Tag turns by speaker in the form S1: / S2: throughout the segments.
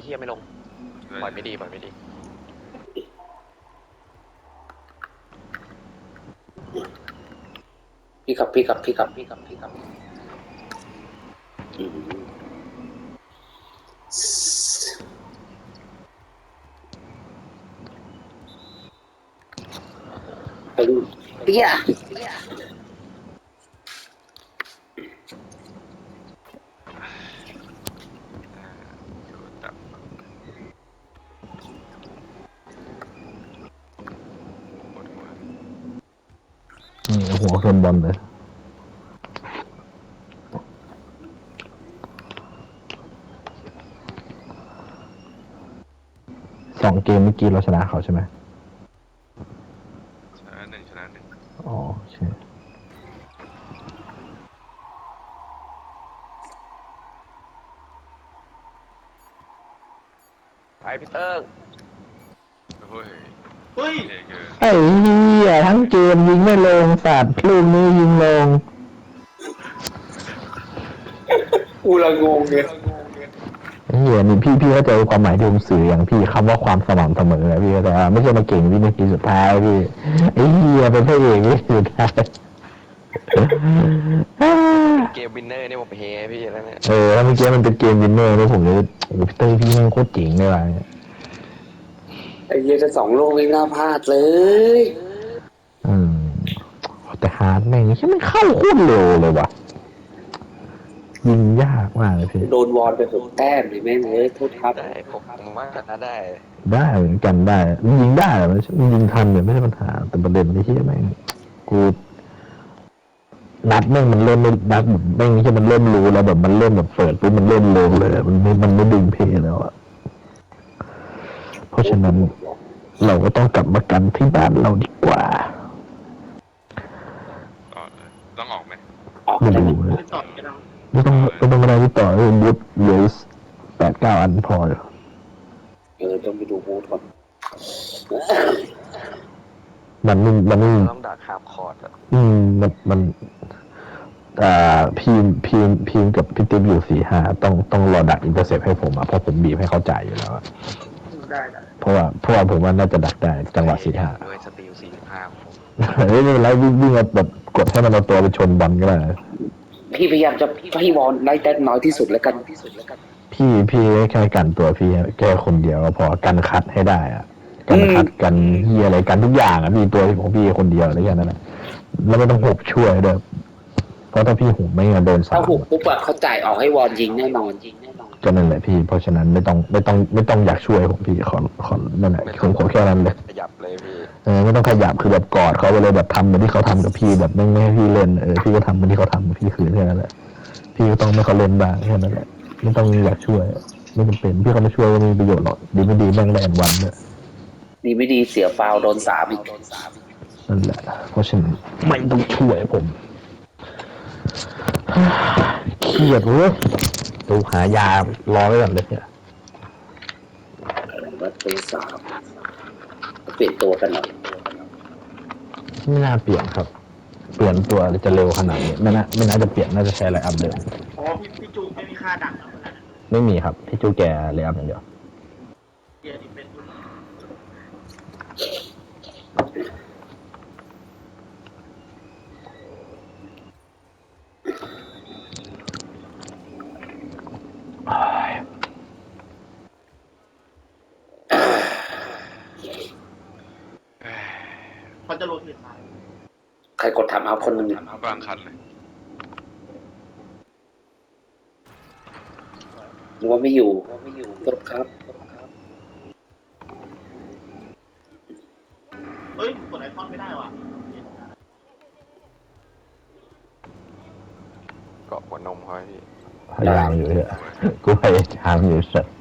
S1: เฮียไม่ลงปล่อยไม่ดีปล่อยไม่ดี
S2: พี่กับไปดูเปี้ย
S3: หัวชนบอลเลย2 เกมเมื่อกี้เราชนะเขาใช่ไหม
S4: ชนะหนึ่ง
S3: อ๋อใช่
S1: ไปพี่เติ้ง
S4: เฮ้ย
S3: ไอ้เหี้ยทั้งเกมยิงไม่ลงสัตว์ลูกนี้ยิงลง
S2: กูละงงเลย
S3: เหี้ยนี่พี่เข้าใจความหมายที่ผมสื่ออย่างพี่คำว่าความสม่ำเสมอพี่แต่ว่าไม่ใช่มาเก่งวินาทีสุดท้ายพี่ไอ้เหี้ยเป็นพระเอกวินาทีสุดท้าย
S1: เกมวินเนอร์นี่ผมเฮพี่แล้วเนี่ย
S3: ถ้าเมื่อกี้มันเป็นเกมวินเนอร์นี่ผมเลยโอ้พี่เต้ยพี่แม่งโคตรเจ๋งเลยว่ะ
S2: ไอ้เหี้ยจะ2 ลูกไม่น่าพลาดเลย
S3: อืมแต่ฮาร์ดแม่งนี่ไม่เข้าโคตรเร็วเลยว่ะยิงยากมากเลยพี่
S2: โดนวอนไป6 แต้มเลยแม่งเลยโทษครับ
S1: ได้ผมว่าได้
S3: ได้เหมือนกันได้มันยิงได้มันยิงทันเนี่ยไม่ใช่ปัญหาแต่ประเด็นที่แม่งกูนัดแม่งมันเริ่มไม่นัดแม่งที่มันเริ่มรู้แล้วแบบมันเริ่มแบบเปิดปุ๊บมันเริ่มเร็วเลยมันไม่ดึงเพลแล้วอะเพราะฉะนั้นเราก็ต้องกลับมากันที่บ้านเราดีกว่า
S4: ต้องออกไหม
S3: ไม่ดูเลยไม่ต้องอะไรที่ต่อเลยบูทเหลือ8-9 อันพอเลย
S2: ต้องไปดูบูธก่อน
S3: มัน
S1: ต้องดักคาบคอร์ดอะ
S3: มันพีมกับพี่ติ๊บอยู่4-5ต้องรอดักอินเตอร์เซปให้ผมเพราะผมบีบให้เขาจ่ายอยู่แล้ว
S2: ได้
S3: เพราะว่าผมว่าน่าจะดักได้จังหวะ4-5
S1: ด้วยสติล45ผม
S3: ไม่เป็นไรวิ่งแบบกดให้มันเอาตัวไปชนบอลก็ได้
S2: พี่พยายามจะให้วอนได้แต้มน้อยที่สุดแล้วกัน
S3: พี่แค่กันตัวพี่แค่คนเดียวก็พอกันคัดให้ได้อะกันคัดกันเฮียอะไรกันทุกอย่างมีตัวของพี่คนเดียวอะไรอย่างนั้นนะแล้วไม่ต้องหกช่วยด้วยเพราะถ้าพี่หุบไม่งั้นโดน
S2: ถ้าหุบปุ๊บอะเขาจ่ายออกให้วอนยิงแน่นอน
S3: ก็นั่นแหละพี่เพราะฉะนั้นไม่ต้องอยากช่วยผมพี่ขอนั่นแหละผมขอแค่นั้นเลย
S1: ขยับเลยพี่
S3: ไม่ต้องขยับคือแบบกอดเขาไปเลยแบบทำเหมือนที่เขาทำกับพี่แบบไม่ให้พี่เล่นพี่ก็ทำเหมือนที่เขาทำกับพี่คือแค่นั้นแหละพี่ก็ต้องไม่เขาเล่นบ้างแค่นั้นแหละไม่ต้องอยากช่วยไม่จำเป็นพี่เขาไม่ช่วยก็ไม่มีประโยชน์หรอกดีไม่ดีแม่งแรงวันเนี่ย
S2: ดีไม่ดีเสียฟาวโดน3อีก
S3: นั่นแหละเพราะฉะนั้นไม่ต้องช่วยผมเครียดเว้ยดูหายารอไว้ก่อนเลยเนี่ย
S2: ประตู3เปลี่ยนตัวกันหน่อย
S3: ไม่น่าเปลี่ยนครับเปลี่ยนตัวจะเร็วขนาดนี้ไม่น่าจะเปลี่ยนน่าจะใช้ไลน์อัพเดิม
S5: พี่จูไม่มีค่าดังแล้วนะ
S3: ไม่มีครับที่จูแกไลน์อัพอย่างเดียว
S5: เดี๋ยวนี้เป็นเขาจะโรเทตมา
S2: ใครกดทำเอาคนหนึ่ง
S4: กลางคันเลย
S2: ว่าไม่อยู่กดครับ
S5: เฮ้ยกดไอคอนไม่ได้ว่ะ
S1: เกาะหัวนมเขาพี่
S3: พยายามอยู่เนี่ยกูพยายามอยู่สัตว์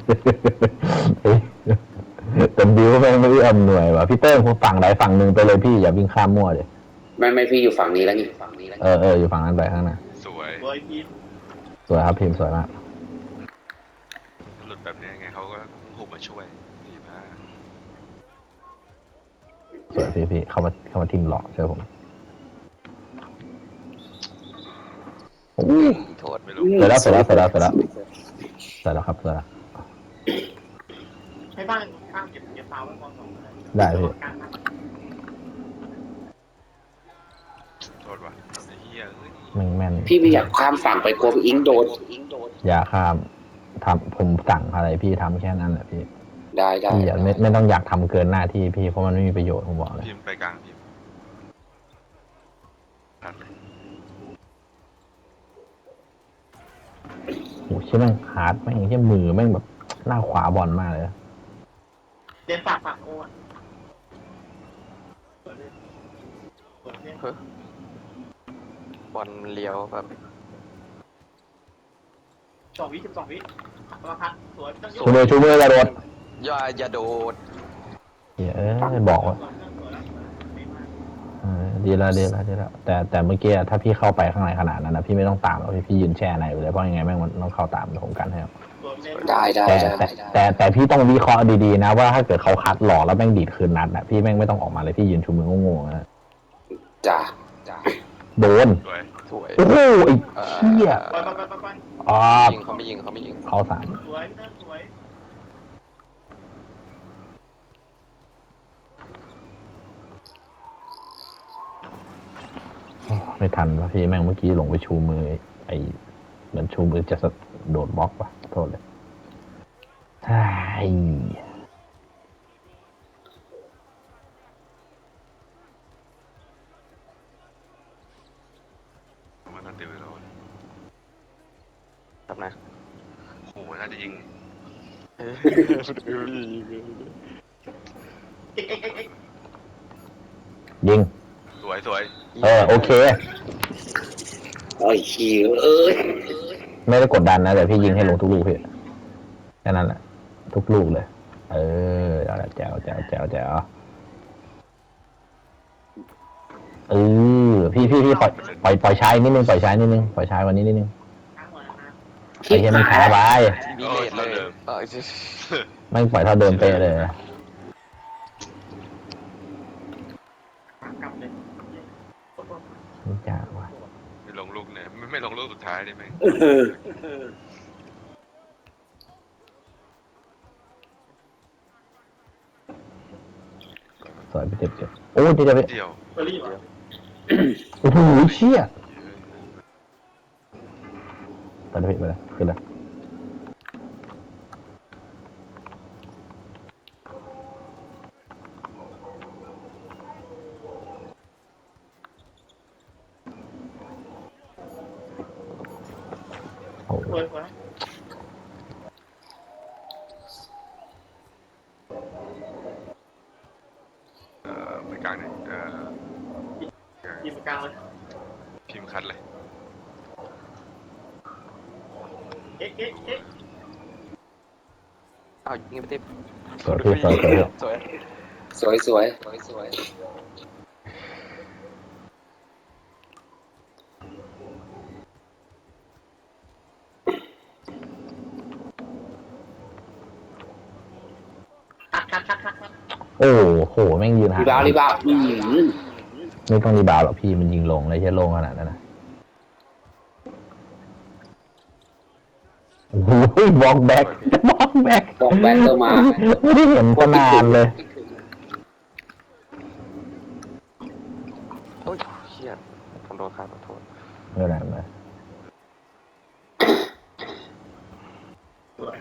S3: แต่บิวไม่อำหน่วยว่ะพี่เติ้งฝั่งใดฝั่งหนึ่งไปเลยพี่อย่าวิ่งข้ามมั่วเลย
S2: ไม่พี่อยู่ฝั่งนี้แล้วนี่
S3: อยู่ฝั่งนั้นไปข้างหน้า
S4: สวย
S3: สวยครับพิมพ์สวยมาก
S4: หลุดแบบนี้ไงเขาก็หุบมาช่วยดีมาก
S3: สวยพี่เข้ามาทีมหลอกเชื่อผม
S1: โทษ
S4: ไม่รู้
S3: เสร็จแล้วครับเสร็จแล้ว
S5: ให้บ้านข้างเก็บฟาวไว้ก่อนสองเลย
S3: ได้พี่
S5: การนับ
S4: โทษว่ะไอ้เหี้ยเอ้ย
S3: แม่น
S2: พี่ไม่อยากข้ามฝั่งไปกลัวพี่อิงโดน
S3: อย่าข้ามทำผมสั่งอะไรพี่ทำแค่นั้นแหละพี่
S2: ได้ได้
S3: พี่อย่าไม่ต้องอยากทำเกินหน้าที่พี่เพราะมันไม่มีประโยชน์ผมบอกเลย
S4: พิมพ์ไปกลางพิมพ์ครับ
S3: โอ้โหเชื่อแม่งฮาร์ดแม่งเชื่อมือแม่งแบบหน้าขวาบอลมากเลย
S5: เล่นฝากโอ้เปิดเล่น
S1: เฮ้ยบอลเลี้ยวแบบ
S5: 12 วิประพัดสวยต้องโย
S3: ชูมือกระโดด
S1: อย่าโดด
S3: เหี้ยบอกว่า
S5: สวยแล้วไม่มาก
S3: ดีแล้วแต่เมื่อกี้ถ้าพี่เข้าไปข้างในขนาดนั้นนะพี่ไม่ต้องตามหรอกพี่ยืนแช่ในไปเลยเพราะยังไงแม่งมันต้องเข้าตามผมกันให้ครับ
S5: สวยเล่น
S2: ได้ได้
S3: แต่พี่ต้องวิเคราะห์ดีๆนะว่าถ้าเกิดเขาคัดหลอกแล้วแม่งดีดคืนนัดนะพี่แม่งไม่ต้องออกมาเลยพี่ยืนชูมือโง่ๆนะ
S2: จ้า
S3: โดน
S4: สวย
S1: สวย
S3: โอ้โหไอ้เหี้ย
S5: ไป
S3: อ๋อ
S1: เขาไม่ยิง
S3: เขาสาม
S5: สวยพี่เต้นสวย
S3: ไม่ทันวะพี่แม่งเมื่อกี้ลงไปชูมือไอ้เหมือนชูมือจะโดดบล็อกวะโทษเลยใช่
S4: ผมว่าน่าติวแล้ว
S1: ครับนะ
S4: โอ้โหน่าจะยิง
S5: เอ็ก
S3: ยิง
S4: สวย
S3: โอเค
S2: โอ้ยขี้เอ้ย
S3: ไม่ได้กดดันนะแต่พี่ยิงให้ลงทุกลูกพี่แค่นั้นแหละทุกลูกเลย เอาละแจ๋วพี่ปล่อยชายนิดนึงปล่อยชายวันนี้นิดนึง
S5: ข้างหัวนะ
S3: ไอ้เหี้ยมันช้าไป
S1: มีเลทเลยเออ
S3: ไม่ปล่อยเท่าเดิมเป๊ะเลย
S5: กลับเลย
S3: นี่จ้าว่ะ
S4: ไม่ลงลูกเนี่ยไม่ลงลูกสุดท้ายได้ไหม
S3: สวยไปเจ็บโอ้ยจะไป
S4: เดียว
S5: เบอร์รี่ป่ะ
S3: โอ้โหเชี่ยไปเลยไปเลยขึ้นเลยโอ้โห
S5: สวย
S4: ไปกลางเนี่ย
S5: ยิงกลางเลย
S4: พิมพ์คัดเลย
S5: เอ็ก
S1: เอายิงไปติด
S3: สวยพี่สวย
S1: สวย
S2: สวย
S5: คัด
S3: โอ้โหแม่งยืนหา
S2: รีบาว
S3: ไม่ต้องรีบาวหรอกพี่มันยิงลงเลยใช่ลงขนาดนั้นนะโอ้โหบล็อกแบ็ก
S2: บอกแบ็คก็มา
S3: ไม่ได้เห็นตั้งนานเลย
S1: โอ้ยเชี่ยผมโดนขาดขอโทษ
S3: ไม่เป็นไรเลย
S5: สวย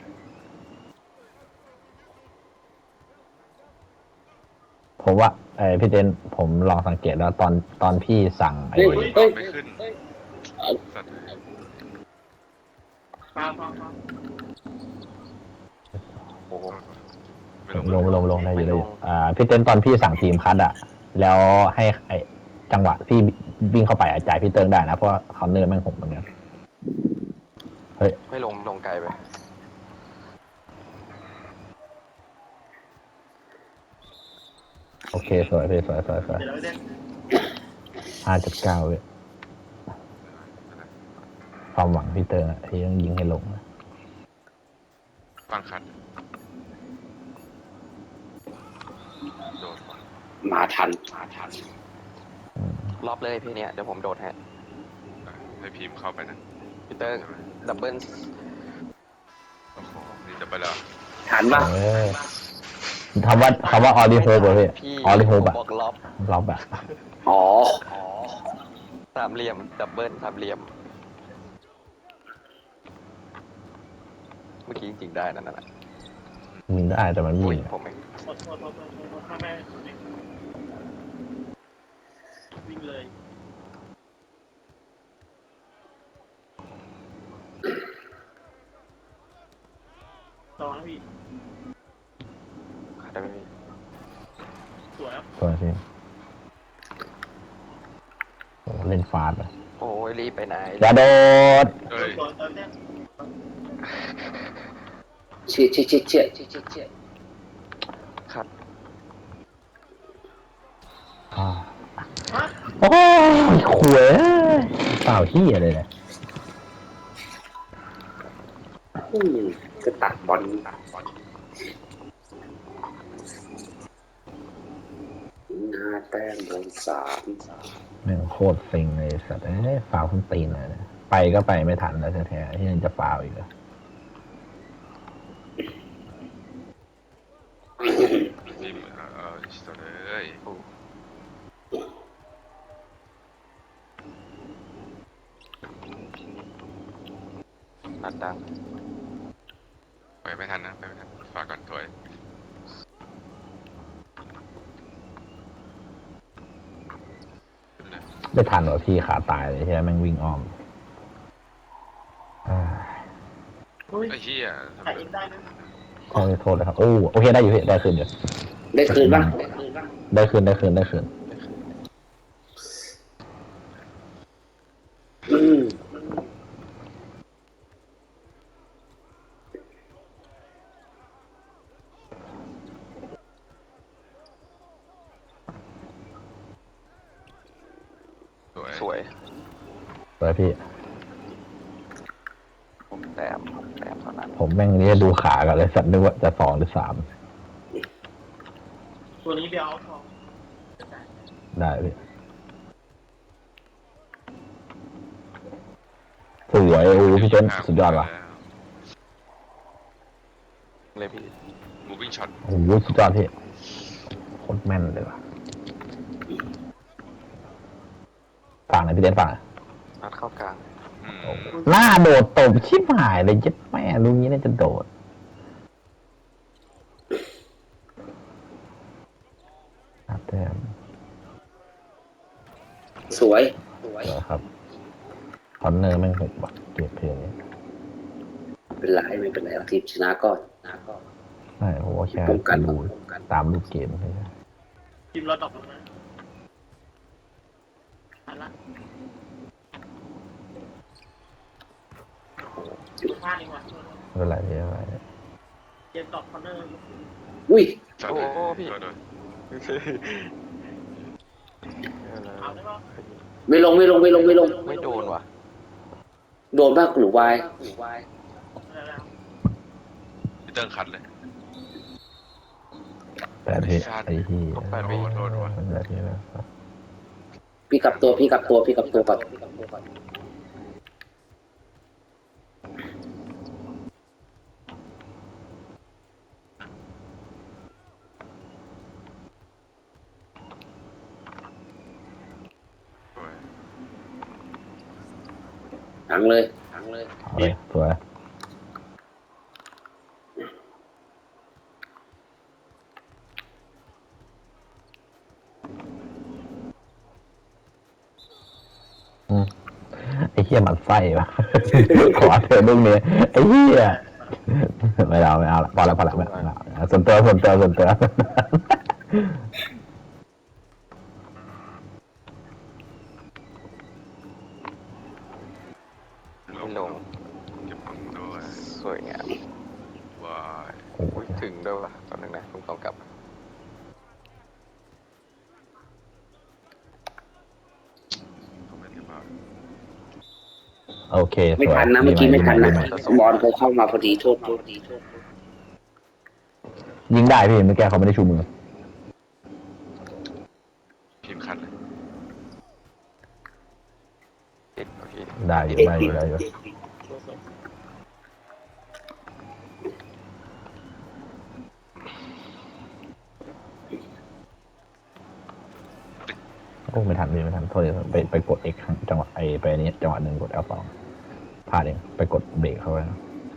S3: ผมว่าพี่เต้นผมลองสังเกตแล้วตอนพี่สั่ง
S2: เฮ้ย
S4: ไม่ขึ้นสัตว์
S5: ฟาว
S1: โอ้โห
S4: ไม่
S3: ลงได้อยู่พี่เต้นตอนพี่สั่งทีมคัดอะแล้วให้จังหวะพี่วิ่งเข้าไปจ่ายพี่เติ้งได้นะเพราะว่าคอนเนอร์แม่งหกเหมือนกันเฮ้ย
S1: ไม่ลงไกลไป
S3: โอเคสวยพี่สวย
S5: เดี๋ยวเราเล่น
S3: 5.9เว้ยความหวังพี่เติ้งอะที่ต้องยิงให้ลงนะ
S4: ฟังคัดโดดว่ะ
S2: มาทัน
S1: รอบเลยพี่เนี้ยเดี๋ยวผมโดดให้
S4: ให้พิมพ์เข้าไปนะ
S1: พีเตอร์ดับเบิล
S4: โอ้โหนี่จะไปแล้ว
S2: ทันปะ
S3: เออคำว่าออริโฮบเลย
S1: พี่
S3: ออริโฮบ
S1: ผม
S3: อะ
S1: บอกล็อบ
S3: เราแบบ
S2: อ๋อ
S1: สามเหลี่ยมดับเบิลสามเหลี่ยม เมื่อกี้จริงๆได้นั่นน่ะ
S3: ยิงได้แต่มันไม่
S1: อุ้ย
S3: ยิง
S1: ผมเอง
S5: โทษข้าแม่วิ่งเลยต่อนะพี่
S1: ขาดได้ไหมพี่
S5: สวยครับ
S3: ตัวที่โอ้เล่นฟาดเลย
S1: โอ้ยรีบไปไหน
S3: อย่าโดด
S4: เอ้ย
S5: ต่อเติมเนี่ย
S2: เชี่ย
S1: ครับ
S3: อ่า
S5: ฮะ
S3: โอ้ยขวยเปล่าที่อะไรเลย
S2: ก็ตัดบอลหน้าแต้มโดนสาม
S3: แม่งโคตรฟิงเลยสัตว์ฟาวขึ้นตีนเลยนะไปก็ไปไม่ทันแล้วแท้ๆที่ยังจะฟาวอีกเหรอ
S4: ทีมสดเลย
S1: นัดดัง
S4: ไปไม่ทันนะไปไม่ทันฝากก่อนถอยขึ้นเลย
S3: ไม่ทันหรอพี่ขาตายเลยใช่ไหมแม่งวิ่งอ้อมอ่า
S5: อุ้ย
S4: ไอ้เหี้ยทำ
S5: ถ่าย
S4: ไม
S5: เองได้นะ
S3: ขอโทษเลยครับโอ้โอเคได้อยู่พี่ได้คืนอยู่
S2: ได้คืนบ้าง
S3: ได้คืน
S2: อืม
S4: สวย
S1: สวย
S3: ไปพี่
S1: ผมแต้มเท่านั้น
S3: ผมแม่งนี่ดูขากันเลยสัตว์นึกว่าจะ2 หรือ 3
S5: ตัวนี้เบลเอาทอง
S3: ได้พี่สวยโอ้พี่เจนสุดยอดว่ะ
S1: เลยพี่
S4: มูวิ่งช็อต
S3: โอ้โหสุดยอดพี่โคตรแม่นเลยว่ะฝั่งไหนพี่เจนฝั่งไหน
S1: นัดเข้ากลาง
S3: หน้าโดดตบชิบหายเลยเจ็ดแม่รู้งี้น่าจะโดดแต้ม
S2: สวย
S3: ครับคอนเนอร์แม่งหกว่ะเก็บเพลงนี้
S2: ไม่เป็นไรเอาทีมชนะก่อน
S3: ใช่ผมว่าแค่
S2: ป้องกัน
S3: ดูตามรูปเกมใช่ไหม
S5: ทีมเราตกลงนะอันละพลาดดีกว่า
S3: ไม่เป็นไรพี่ไม่เป็นไร
S5: เกมตอบคอนเนอร์
S2: อุ้ย
S4: ช็อตเลยโดน
S5: เอาได้ป่ะ
S2: ไม่ลง
S1: ไม่โดนว่ะ
S2: โดนบ้างหรือวาย
S5: อะไรแล้ว
S4: พี่เติ้งคัดเลย
S3: แปดพี่ไอ้ที่
S4: โดนว่ะ
S3: ไม่เป็นไรพี่นะ
S2: พี่กลับตัวก่อน
S4: สวย
S2: หังเลย
S3: เอาเลยสวยไอ้เหี้ยมันไส้วะ ขอเธอลูกนี้ไอ้เหี้ยไม่เอาละพอละไม่เอาส่วนตัว
S1: ไม่ลง
S4: เก็บของด้วย
S1: สวยงาม
S4: ว้าย
S1: อุ้ยถึงด้วยว่ะตอนนึงนะผมต้องกลับ
S4: เขาไม่ได้มา
S3: โอเค
S2: ไม่ทันนะเมื่อกี้ไม่ทันนะบอลเขาเข้ามาพอดีโทษ
S3: ยิงได้พี่เมื่อกี้เขาไม่ได้ชูมือ
S4: ทีมคัดเลย
S1: ติดโอเค
S3: ได้อยู่โอ้ไม่ทันไม่ทันโทษเลยไปกด X จังหวะไปนี้จังหวะหนึ่งกด L2พลาดเองไปกดเบรกเข้าไป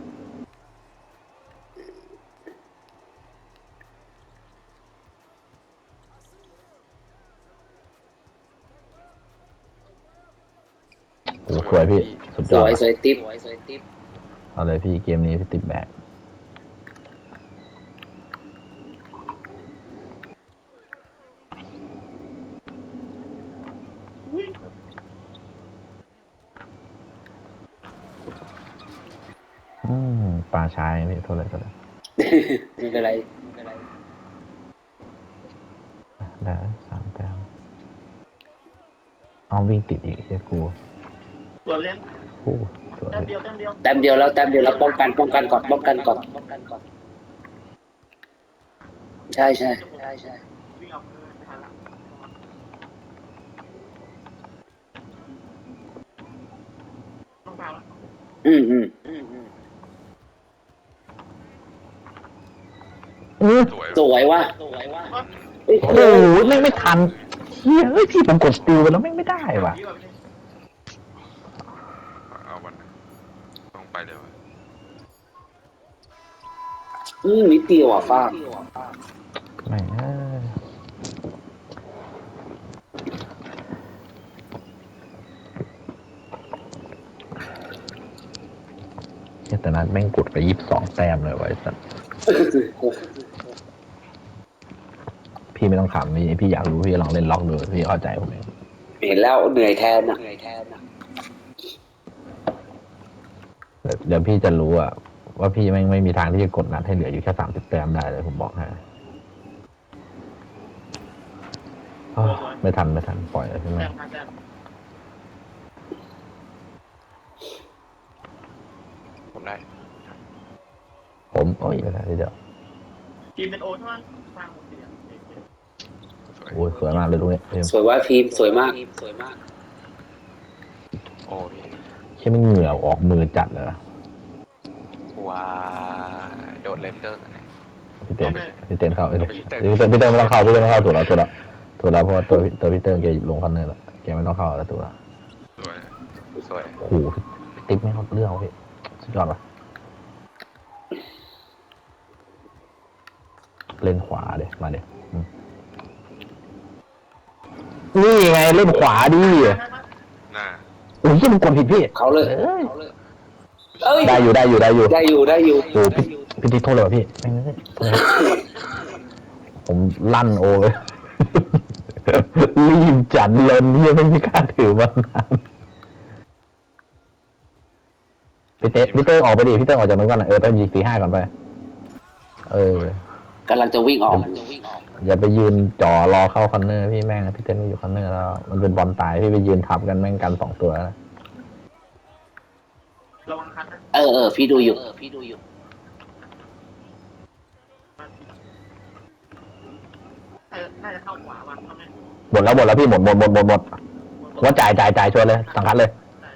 S3: สวยพี่สุดย
S2: ส
S3: อด
S2: วยสวยติ๊บ
S3: เอาเลยพี่เกมนี้พี่ติดแบกปลาชายพี่โทษเลย
S2: ไม่เป็นไร
S3: ได้3 แต้มเอาวิ่งติดอีกเชียกู
S5: ส่วนเล่น
S3: โอ้สวย
S5: แต้มเดียว
S2: แต้มเดียวแล้วป้องกันก่อนใช่
S5: วิ่งเอาไม่ทันละต้องเปล่าแล้ว
S2: อืม
S4: สวย
S2: สวยว่ะ
S3: โอ้โหไม่ทันเฮียเอ้ยพี่ผมกดสติลไปแล้วไม่ได้ว่ะ
S4: เอาวันนะต้องไปเลยวะ
S2: นิดเดียวอ่ะฟ้า
S3: ไม่แต่นั้นแม่งกดไป22 แต้มเลยไว้สัตว์พี่ไม่ต้องขำพี่อยากรู้พี่ลองเล่นล็อกดูพี่เข้าใจผมเอง
S2: เห็นแล้วเหนื่อยแทนนะ
S3: เดี๋ยวพี่จะรู้อะว่าพี่ไม่มีทางที่จะกดนัดให้เหลืออยู่แค่30 แต้มได้เลยผมบอกให้ไม่ทันปล่อยเลยใช่ไหม
S5: แต้มพันแต้ม
S1: ผมได้
S3: ผมโอ้ยไม่ได้เดี๋ยว
S5: ทีมเป็นโอใช่ไหมสร้างหมดเสีย
S3: โอ้ยสวยมากเลยตรงนี้
S2: สวยว่าทีมสวยมาก
S1: โอ้พี่
S3: แค่ไม่เหงื่อออกมือจัดเลยนะ
S1: ว้าโดดเลนเตอร์
S3: พี่เต้นเข้าพี่เต้นไม่ต้องเข้าถูกแล้วเพราะว่าตัวพี่เต้นแกลงคันเนอร์แล้วแกไม่ต้องเข้าแล้วตัวละ
S4: สวย
S1: สวย
S3: โอ้โหติ๊กไม่เข้าเรื่องพี่สุดยอดว่ะเล่นขวาเดี๋ยมาเดี๋ยนี่ไงเล่นขวาดิ
S4: หน้า
S3: โอ้ยมันกดผิดพี่
S2: เขาเลย
S3: ได้อยู่
S2: ได้อยู่
S3: โอ้พี่ติ๊กโทษเลยพี่ผมลั่นโอ้ยรีบจัดเลนที่ไม่มีการถือมานานพี่เต้ออกไปดิพี่เต้ออกจากนั้นก่อนต้องยิง4-5ก่อนไป
S2: กำลังจะวิ่งออก
S3: อย่าไปยืนจ่อรอเข้าคอนเนอร์พี่แม่งพี่เต้นไม่อยู่คอนเนอร์แล้วมันเป็นบอลตายพี่ไปยืนทับกันแม่งกัน2 ตัว
S5: ระวังคันนะ
S2: พี่ดูอยู่
S5: น่าจะเข้าขวาว่ะทำไม
S3: หมดแล้วพี่หมดว่าจ่ายชวนเลยสังคัดเลย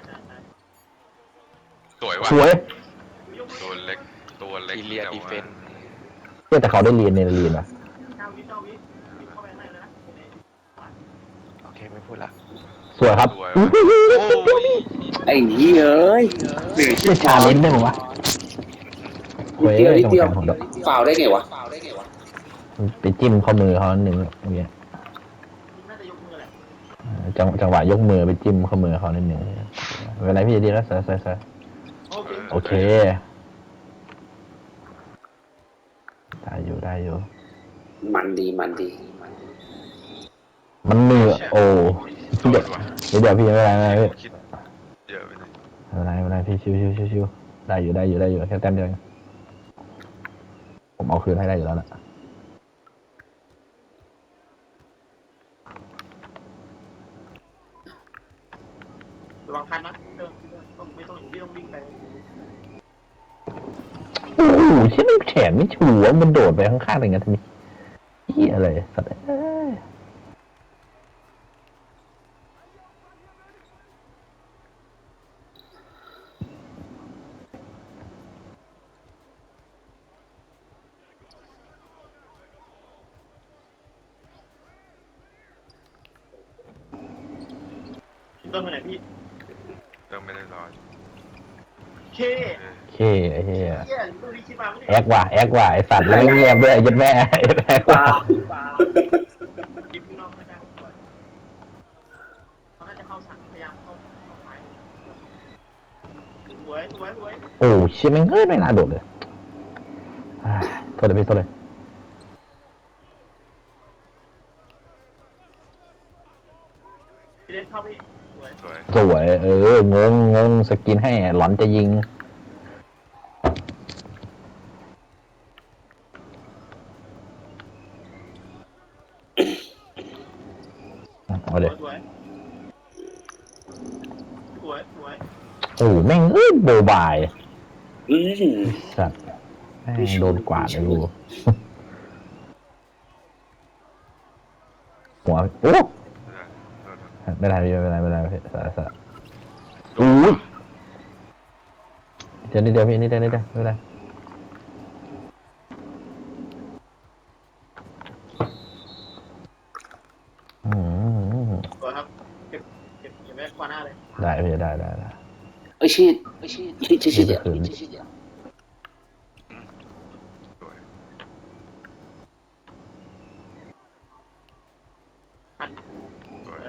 S4: สวยว่ะ
S3: สวย
S4: ตัวเล็ก
S1: อีเลียดีเฟน
S3: แต่เขาได้เรียนนะ
S5: 9 วิเข้าไปในเลยนะ
S1: โอเคไม่พูดละ
S3: สวยครับ
S4: สวยว่ะโอ้ย
S2: ไอ้เหี้ยเอ้ย
S3: ไม่ชาเลนจ์ได้ไหมวะ
S2: นิดเดียวฝ่าวได้ไงวะ
S3: ไปจิ้มข้อมือเขาหนึ่งอย่างเงี้ย
S5: น่าจะยกมือแหละ
S3: จังหวะยกมือไปจิ้มข้อมือเขานิดหนึ่งเวลาพี่ดีแล้วเสร็จโอเคได้อยู่
S2: มันดี
S3: มันเหนื่อยโอ้
S4: สวยว่ะ
S3: เดี๋ยวพี่ไม่เป็นไรพี่
S4: คิดเยอะไปเลย
S3: ไม่เป็นไรพี่ชิวได้อยู่แค่แต้มเดียวผมเอาคืนให้ได้อยู่แล้วนะ
S5: ระวังคันนะไม่ต้องวิ่งไป
S3: โอ้โหใช่ไหมแขนไม่ชัวร์มันโดดไปข้างๆอะไรเงี้ยทำไมเหี้ยอะไรสัตว์
S5: เติมไปไหนพี่
S4: เติมไม่ได้ร้อย
S5: เค
S3: เคไอ้เหี้ย
S5: เฮียดูดิคิดมาไม่ได้
S3: แอกว่ะไอ้สัตว์แล้วเงียบด้วยไอ้ยัดแม่แอกว่ะ
S5: กินพี่น้องไม่ได้เขาน่าจะเข้าสั่งพยายามเข้าไปสวย
S3: โอ้เชี่ยแม่งไม่น่าโดดเลยโทษเลยพี่โทษเลย
S5: พี่เล่นเข้าพี่สวย
S4: สวย
S3: สวยงงสกินให้หลอนจะยิงเอาเลย
S5: สวย
S3: โอ้แม่งโบบาย
S2: อืม
S3: สัตว์แม่งโดนกวาดเลยกูหัวโอ้
S4: ไม่ได้
S3: ไม่เป็นไรพี่สะอุ้ยเดี๋ยวนิดเดียวพี่นิดเดียวไม่เป็นไร
S5: สวยครับเก็บไว้ขวาหน้าเลย
S3: ได้พี่ได้
S2: ไอ้ชีดชีด
S4: สวย
S5: หัน
S4: สวย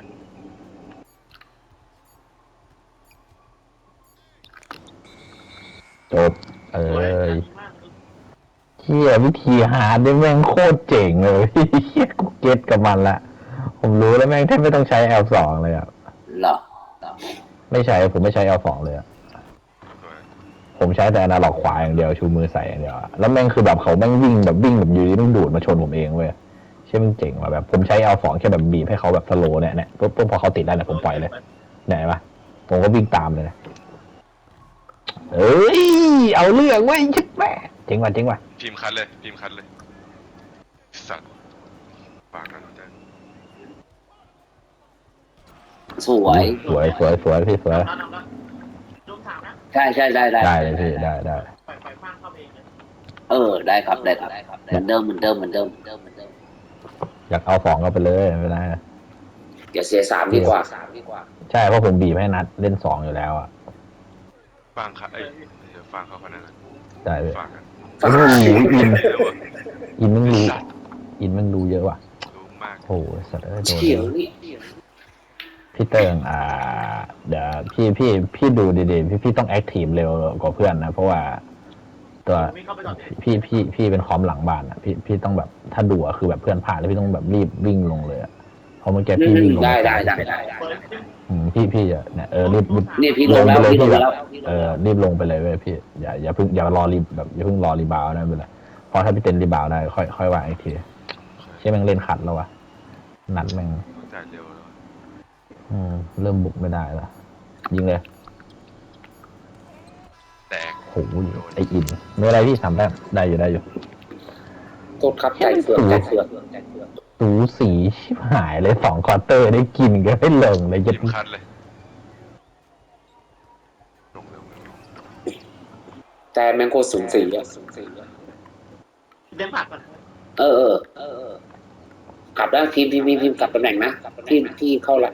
S3: จบ
S5: สวยมาก
S3: เฮียวิธีหาได้แม่งโคตรเจ๋งเลยพี่เฮียกูเก็ตกับมันละผมรู้แล้วแม่งแทบไม่ต้องใช้ L2 เลยอ่ะ
S2: เหรอ
S3: ไม่ใช้ผมไม่ใช้ L2 เลยอ่ะ
S4: สวย
S3: ผมใช้แต่อนาล็อกขวาอย่างเดียวชูมือใส่อย่างเดียวอะแล้วแม่งคือแบบเขาแม่งวิ่งแบบอยู่ดีแม่งดูดมาชนผมเองเว้ยเชื่อมันเจ๋งว่ะแบบผมใช้ L2 แค่แบบบีบให้เขาแบบสโลว์เนี่ยปุ๊บพอเขาติดได้เนี่ยผมปล่อยเลยไหนปะผมก็วิ่งตามเลยนะเอ้ยเอาเรื่องเว้ยชิบแม่เจ๋งว่ะ
S4: พิมพ์คัดเลยสัตว์ฝากกันใจ
S2: สวย
S3: สวยพี่สวย
S5: นำแล้วลูกถามนะ
S2: ใช่ได้
S3: ได้เลยพี่ได้
S5: ปล่อยฟางเข้าเองเลย
S2: ได้ครับเหมือนเดิม
S3: อยากเอา2ก็ไปเลยไม่เป็นไร
S2: อย่าเสีย3ดีกว่า
S3: ใช่เพราะผมบีบให้นัดเล่น2อยู่แล้วอ่ะ
S4: ฟังค่ะเดี๋ยวฟังเขาคนนั้น
S3: ได้พี่
S4: ฟังกัน
S3: โอ้โหอินแม่งรู้
S4: สัตว์
S3: อินแม่งรู้เยอะว่ะ
S4: รู้มาก
S3: โอ้โหสัตว์โดน
S2: เฉียวนี่
S3: พี่เติงเดี๋ยวพี่ดูดีๆพี่ต้องแอคทีฟเร็วกว่าเพื่อนนะเพราะว่าตัว
S5: วิ่งเข้าไปก่อน
S3: พี่เป็นคอมหลังบ้านอ่ะพี่ต้องแบบถ้าดูอะคือแบบเพื่อนพลาดแล้วพี่ต้องแบบรีบวิ่งลงเลยอะเพราะเมื่อกี้พี่วิ่งลง
S2: ได้
S5: เปิดขึ้น
S3: พี่จะเนี่ยรีบ
S2: นี่พี่ลงแล้ว
S3: รีบลงไปเลยเว้ยพี่อย่าเพิ่งรอรีบแบบอย่าเพิ่งรอรีบาวนะเวลาพอถ้าพี่เต้นรีบาวได้ค่อยวางอีกทีใช่แม่งเล่นขัดแล้ววะนัดแม่ง
S4: จ่ายเร็วแล้ว
S3: เริ่มบุกไม่ได้ละยิงเลย
S4: แตก
S3: โหไออินไม่อะไรพี่3 แต้มได้อยู่
S2: กดครับใจเฟือก
S3: สูสีชิบหายเลย2 ควอเตอร์ได้กินก็ไม่ลงเลย
S4: พิ
S3: ยัด
S4: มพ์คัดเลยลงเร็ว
S2: แต่แมงโคสูง4อ่ะ
S5: เดินผ่านก่อน
S2: กลับได้ทีมกลับตำแหน่งนะที่เข้าละ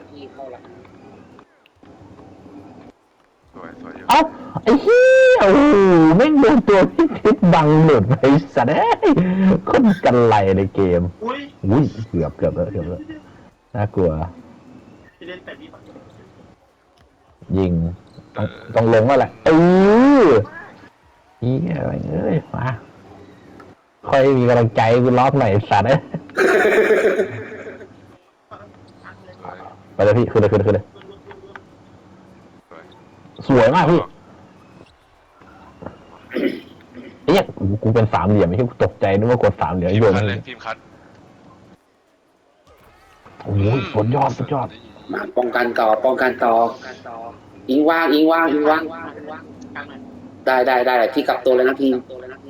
S4: สวยเยอะ
S3: เอ้าไอ้เหี้ยโอ้โหไม่งโดนตัวที่ทิศบังหลุดไปสัตว์เอ้ยคนกันไรในเกม
S5: อุ้ย
S3: เกือบแล้วน่ากลัว
S5: พี่เล่นแต่นี่ก่อน
S3: ยิงต้องลงแล้วแหละเหี้ยเอ้ยมาค่อยมีกำลังใจกูล็อกหน่อยสัตว์เอ้ย
S4: สวย
S3: ไปเลยพี่ขึ้นเลย
S4: สวย
S3: สวยมากพี่เฮ้ยกูเป็น3 เหลี่ยมไม่ใช่กูตกใจนึกว่ากด3 เหลี่ยม
S4: พิม
S3: โย
S4: พ์
S3: น
S4: คัดเลยพิมพ์คัด
S3: โอ้โหสุดยอด
S2: มาป้องกันต่ออิงว่าง
S5: กลางหน่อย
S2: ได้ที่กลับตัวเลยนะทีม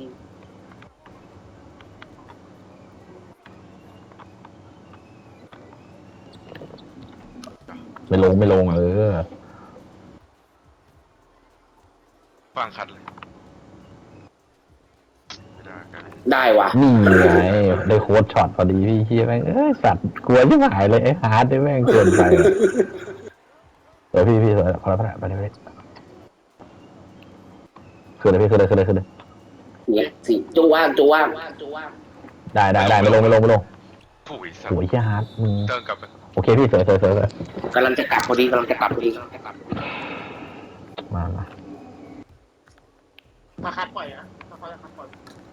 S3: ไม่ลง
S4: ฟังคัดเลยไม่ได้กัน
S2: ได้ว่ะ
S3: นี่ไงได้โค้ดช็อตพอดีพี่เฮียแม่งสัตว์กลัวชิบหายเลยไอ้ฮาร์ดได้แม่งเกินไปวยพี่สวยพอแล้วไปเลยขึ้นเลยพี่ขึ้นเลย
S2: เนี่ยสิจูว่าง
S3: ได้ไม่ลง
S4: ผู้อีสัต
S3: โอ้ย
S4: ว์
S3: เฮียฮาร์ดมึง
S4: เดินกลับไป
S3: โอเคพี่สวย
S2: กำลังจะกลับพอดี
S3: มา
S5: มาคัดปล่อยนะมาคัดปล่อย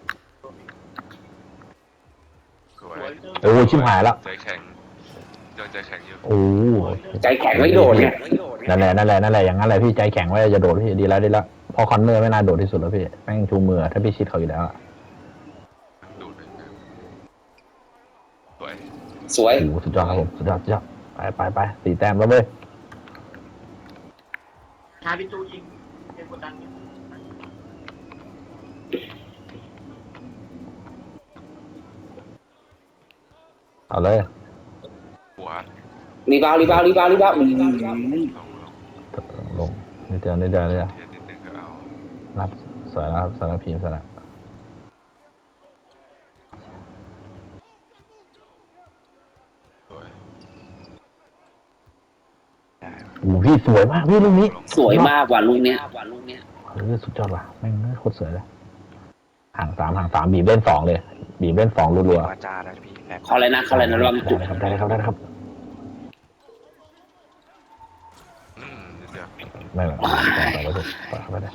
S4: สวย
S3: โอ้ยชิบหายแล้ว
S4: ใจแข็งยังใจแข็งอยู่
S3: โอ้
S2: ใจแข็งไม่โดดเนี่ย
S3: นั่นแหละอย่างนั้นแหละพี่ใจแข็งไว้จะโดดพี่ดีแล้วพอคอนเนอร์ไม่น่าโดดที่สุดแล้วพี่แม่งชูมือถ้าพี่ชิดเขาอยู่แล้ว
S4: ดูดเลยสวย
S2: สวย
S3: โอ้สุดยอดครับผมสุดยอดไป4 แต้มแล้วเว้ย
S5: หาพี่จูยิงเกมกดดันเนี่ย
S3: เอาเลย
S4: หัว
S2: รีบาว
S4: ลง
S3: ลงนิดเดียว
S4: นิดนึงก็เอา
S3: รับสวยแล้วครับสารพีมสระ
S4: สวย
S3: โอ้พี่สวยมากพี่ลูกนี้
S2: สวยมากกว่าลูกเนี้ย
S3: สุดยอดว่ะแม่งโคตรสวยเลยห่างสามบีบเล่น2เลยบีบเล่น2รัว
S1: วาจาแล้วพี่แ
S2: เขาอะไรนะระวังจุด
S3: ได้ครับ
S4: นิดเดียว
S3: ไม่ต่อไปได้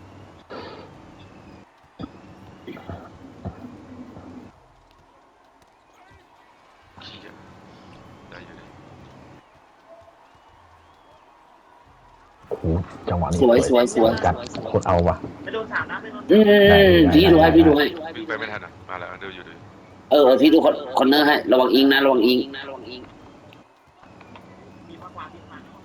S4: ขี้เกียจได้อยู่เลย
S3: โอ้โหจังหวะนี้
S2: สวย
S3: จัดโคตรเอาว่ะ
S5: ไม่โดน3นะไม่โดน
S2: พี่ดูให้
S4: วิ่งไปไม่ทันอ่ะมาแล้วดูอยู่ดู
S2: พี่ดูคอนเนอร์ให้ระวังอิงนะระวังอิง
S5: มีมากกว่า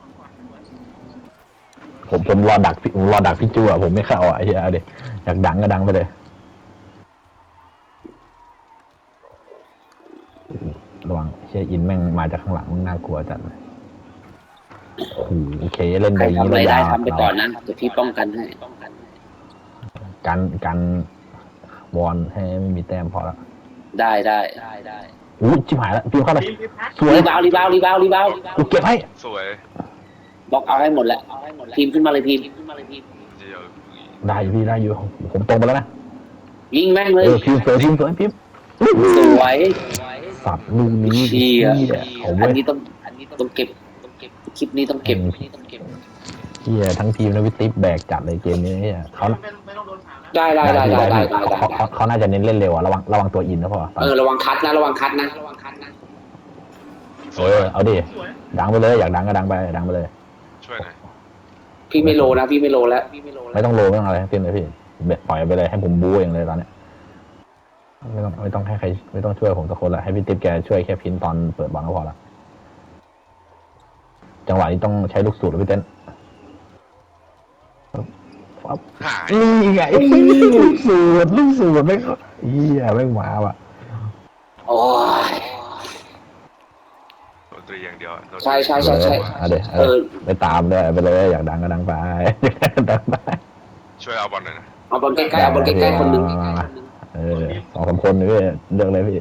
S3: ผมรอดักพี่จูอ่ะผมไม่เข้าอ่ะไอ้เหี้ยเดี๋ยวอยากดังก็ดังไปเลยระวังเชียอินแม่งมาจากข้างหลังน่ากลัวจัดเลยโอเคเล่น
S2: ใคร
S3: ได้
S2: ทำอะไรได้ทำไปก่อนนะเดี๋ยวพี่ป้องกันให้
S3: กันวอนให้ไม่มีแต้มพอแล้ว
S2: ได้
S3: อู้ชิบหายแล้วพิมพ์เข้าเลย
S5: ทีมพัด
S3: สวย
S2: รีบาว
S3: กูเก็บให้
S4: สวย
S2: บล็อกเอาให้หมดแหละพิมพ์ขึ้นมาเลยพิมพ์
S4: เดียว
S3: ได้อยู่พี่ได้อยู่ผมตรงไปแล้วนะ
S2: ยิงแม่งเลย
S3: พิมพ์สวยพิมพ์
S2: สวย
S3: สับลูกนี้
S2: เชี่ย
S3: เอา
S2: อั
S3: เว้
S2: น
S3: ย
S2: นี้ต้องเก็บคลิปนี้ต้องเก็บ
S3: เฮียทั้งทีมนะวิติฟแบกจัดเลยเกมนี้เนี่ยเขา
S5: ไม่ต้องโดน3นะ
S2: ได้
S3: เขาน่าจะเน้นเล่นเร็วอ่ะระวังตัวอินนะพ่อ
S2: ระวังคัดนะ
S3: เอาดิ
S5: สวย
S3: ดังไปเลยอยากดังก็ดังไปเลย
S4: ช่วยหน่อย
S2: พี่ไม่โลแล้ว
S3: ไม่ต้องโลไม่ต้องอะไรเต็มเลยพี่ปล่อยไปเลยให้ผมบู๊เองเลยตอนเนี้ยไม่ต้องให้ใครไม่ต้องช่วยผมสักคนละให้พี่ติ๊บแกช่วยแค่พินตอนเปิดบอลก็พอละจังหวะนี้ต้องใช้ลูกสูตรพี่เต้น
S4: หาย
S3: นี่ไงลูกสูตรไม่เฮียไม่มาว่ะ
S2: โอ้ย
S4: ดนตรีอย่างเดียว
S2: ใช่
S3: เอาเดี๋ยวไปตามเลยไปเลยอยากดังก็ดังไปดังไป
S4: ช่วยเอาบอลหน่อยนะ
S2: เอาบอลใกล้ๆคนนึง
S3: 2-3 คนนี่พี่เลือกเลยพี่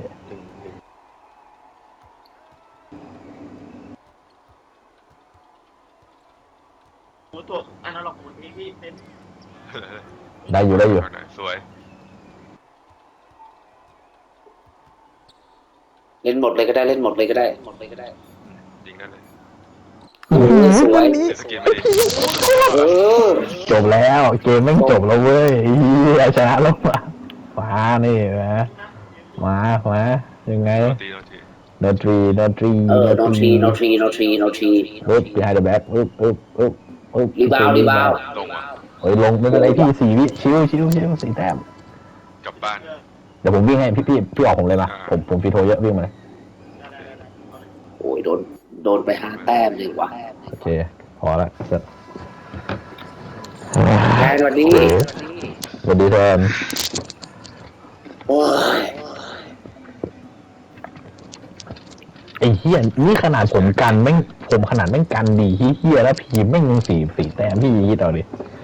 S5: หมูตัวอันนั้นหรอกหมูนี้พี่เป็น
S3: ได้อยู่
S4: สวย
S2: เล่นหมดเลยก็ได้
S4: ยิงได้เลย
S2: สวย
S4: สกิลไม่ดี
S3: จบแล้วเกมแม่งจบแล้วเว้ยชนะแล้วมานี่มายังไง no tree
S2: โนทรี
S3: ปึ๊บ behind the back ปึ๊บ
S2: รีบาว
S4: ลงว่ะ
S3: เฮ้ยลงไม่เป็นไรพี่4 วิชิว4 แต้ม
S4: กลับบ้าน
S3: เดี๋ยวผมวิ่งให้พี่ออกผมเลยนะผมฟีโทเยอะวิ่งมาเลย
S2: โอ้ยโดนไป5 แต้มเลยว่ะ
S3: โอเคพอละเสร็จ
S2: แรงกว่านี้
S3: สวัสดีแทน
S2: โอ้ย
S3: ไอ้เหี้ยนี่ขนาดผมกันแม่งผมขนาดแม่งกันดีเหี้ยแล้วพีมแม่งยัง4 แต้มพี่คิดเอาดิ